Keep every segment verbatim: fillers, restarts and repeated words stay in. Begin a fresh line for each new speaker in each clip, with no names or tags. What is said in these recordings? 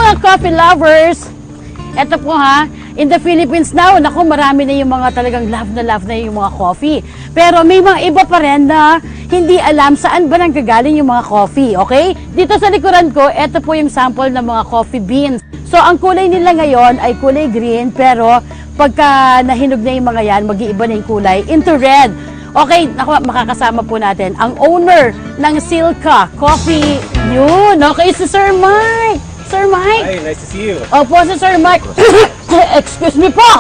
mga coffee lovers, eto po ha, in the Philippines now, naku, marami na yung mga talagang love na love na yung mga coffee. Pero may mga iba pa rin na hindi alam saan ba nanggagaling yung mga coffee, okay? Dito sa likuran ko, eto po yung sample ng mga coffee beans. So, ang kulay nila ngayon ay kulay green, pero pagka nahinog na yung mga yan, mag-iiba na yung kulay into red. Okay, naku, makakasama po natin ang owner ng Silka Coffee. Yun, okay, si Sir Mike. Sir Mike.
Hi, nice to see you.
Opo, si Sir Mike. Excuse me po.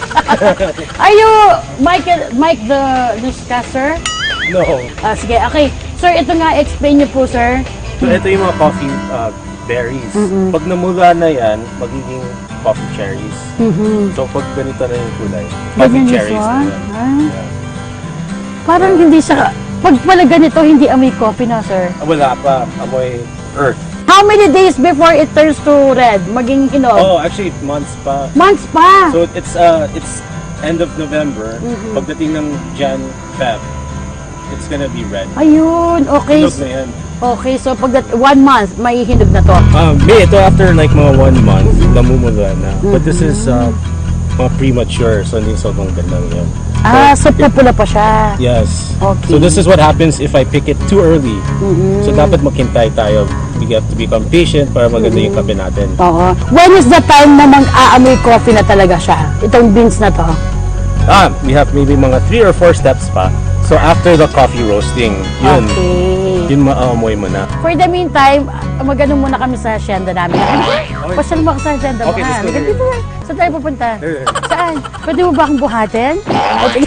Are you Mike, Mike the newscaster?
No.
Ah, sige, okay. Sir, ito nga, explain niyo po, sir.
So, ito yung mga coffee uh, berries.
Mm-mm.
Pag namula na yan, magiging coffee cherries.
Mhm.
So, pag ganito na yung kulay, coffee
Ganyan yung
cherries
siya?
na yan.
Ah.
Yeah.
Parang hindi siya, pag pala ganito, hindi amoy coffee na, sir.
Ah, wala pa. Amoy earth.
How many days before it turns to red? Maging hinog?
Oh, actually, months pa.
Months pa.
So, it's uh, it's end of November.
Mhm.
Pagdating ng Jan, Feb, it's gonna be red.
Ayun, okay.
Hinog na yan.
Okay, so pag that, one month, may hinog na to.
Um, may ito after like mga one month, namumula na. But this is uh, mga premature, so hindi sobrang ganda yan.
Ah, so pupula pa siya.
Yes.
Okay.
So this is what happens if I pick it too early. So dapat maghintay tayo. We have to become patient para maganda yung kape natin.
Oo. When is the time na mag-aamoy coffee na talaga siya? Itong beans na to.
Ah, we have maybe mga three or four steps pa. So after the coffee roasting, yun,
Okay.
yun maamoy mo na.
For the meantime, magano muna kami sa hacienda namin. Pasal mo ako sa hacienda mo.
Okay,
ha?
let's go
Halika
there.
dito. Saan tayo pupunta?
There.
Saan? Pwede mo ba akong buhatin? Okay.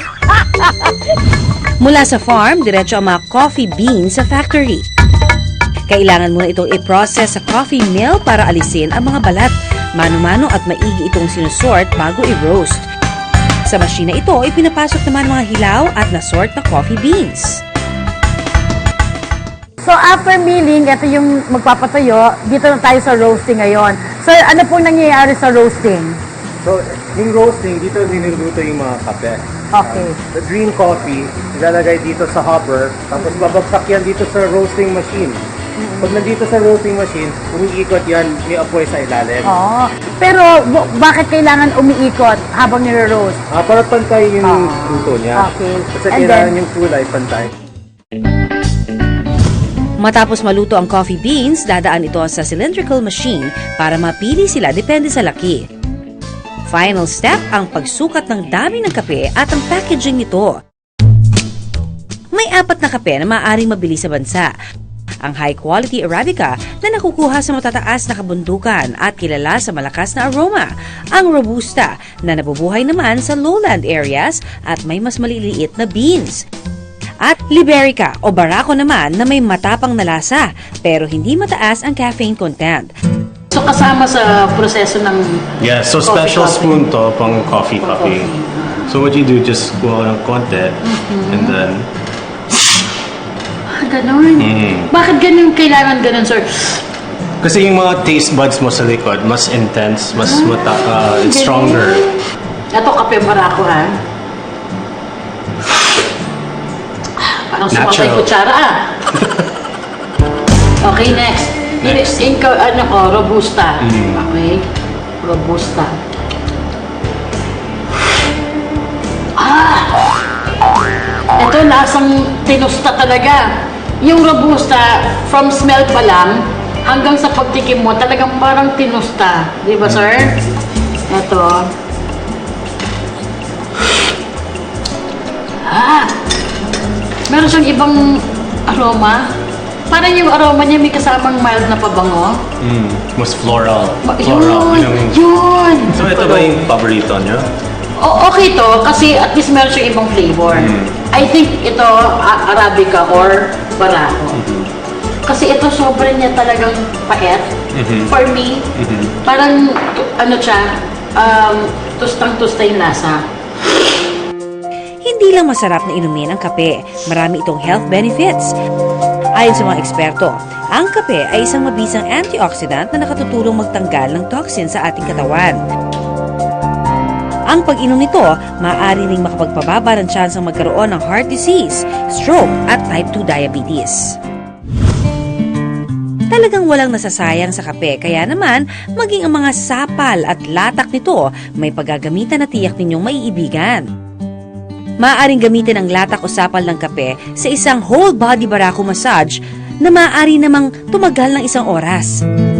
Mula sa farm, diretso ang mga coffee beans sa factory. Kailangan muna itong i-process sa coffee mill para alisin ang mga balat. Mano-mano at maigi itong sinusort bago i-roast. Sa machine na ito, ipinapasok naman mga hilaw at nasort na coffee beans.
So after milling, ito yung magpapatayo. Dito na tayo sa roasting ngayon. Sir, ano pong nangyayari sa roasting?
So, yung roasting, dito niluluto yung mga kape.
Okay.
Um, the green coffee, ilalagay dito sa hopper, tapos babagsak yan dito sa roasting machine. Pag nandito sa roasting machine, umiikot yan, may apoy sa ilalim.
Oo. Pero bu- bakit kailangan umiikot habang nire-roast?
Ah, para pantay yung
Ah,
luto niya.
okay.
Kasi
And
kailangan
then-
yung kulay pantay.
Matapos maluto ang coffee beans, dadaan ito sa cylindrical machine para mapili sila depende sa laki. Final step ang pagsukat ng dami ng kape at ang packaging nito. May apat na kape na maaaring mabili sa bansa. Ang high-quality Arabica na nakukuha sa matataas na kabundukan at kilala sa malakas na aroma. Ang Robusta na nabubuhay naman sa lowland areas at may mas maliliit na beans. At Liberica o Barako naman na may matapang na lasa pero hindi mataas ang caffeine content.
So kasama sa proseso ng
Yeah, so
Coffee,
special
coffee.
spoon to pang coffee
Pang
coffee.
coffee.
So what you do, just kuha ng konti, and then,
Ah, ganun.
Mm.
Bakit ganun kailangan ganun, sir?
kasi yung mga taste buds mo sa likod, mas intense, mas mata, uh, it's stronger.
Ito kape Barako, ha? Parang sumabay
Natural.
kutsara, ah. Okay, next.
Next.
In, in, ano ko, Robusta.
Mm.
Okay. Robusta. Ah! Ito, lasang tinusta talaga. Yung Robusta, from smell pa lang, hanggang sa pagtikim mo, talagang parang tinusta. Di ba, sir? Ito. Ah! Meron siyang ibang aroma. Parang yung aroma niya may kasamang mild na pabango.
Mm, mas floral.
Ma-
Floral.
Yun!
Yun ang-
Yun!
So ito ba yung paborito niyo?
O- okay to, kasi at least meron siyang ibang flavor.
Mm.
I think ito, a- Arabica or Barako. Kasi ito, sobrang niya talagang pait.
Mhm.
For me,
Mhm.
parang, tu- ano siya, um, tustang-tusta yung lasa.
Hindi lang masarap na inumin ang kape, marami itong health benefits. Ayon sa mga eksperto, ang kape ay isang mabisang antioxidant na nakatutulong magtanggal ng toxin sa ating katawan. Ang pag-inom nito, maaari ring makapagpababa ng tsansang magkaroon ng heart disease, stroke at type two diabetes. talagang walang nasasayang sa kape. Kaya naman, maging ang mga sapal at latak nito, may paggagamitan na tiyak ninyong maiibigan. Maaaring gamitin ang latak o sapal ng kape sa isang whole body Barako massage na maaari namang tumagal ng isang oras.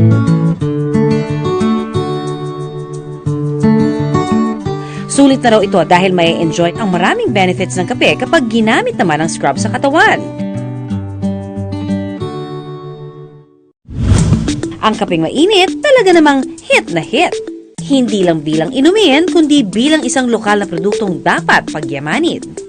Sulit na raw ito dahil may enjoy ang maraming benefits ng kape kapag ginamit naman ang scrub sa katawan. Ang kapeng mainit talaga namang hit na hit. Hindi lang bilang inumin, kundi bilang isang lokal na produktong dapat pagyamanin.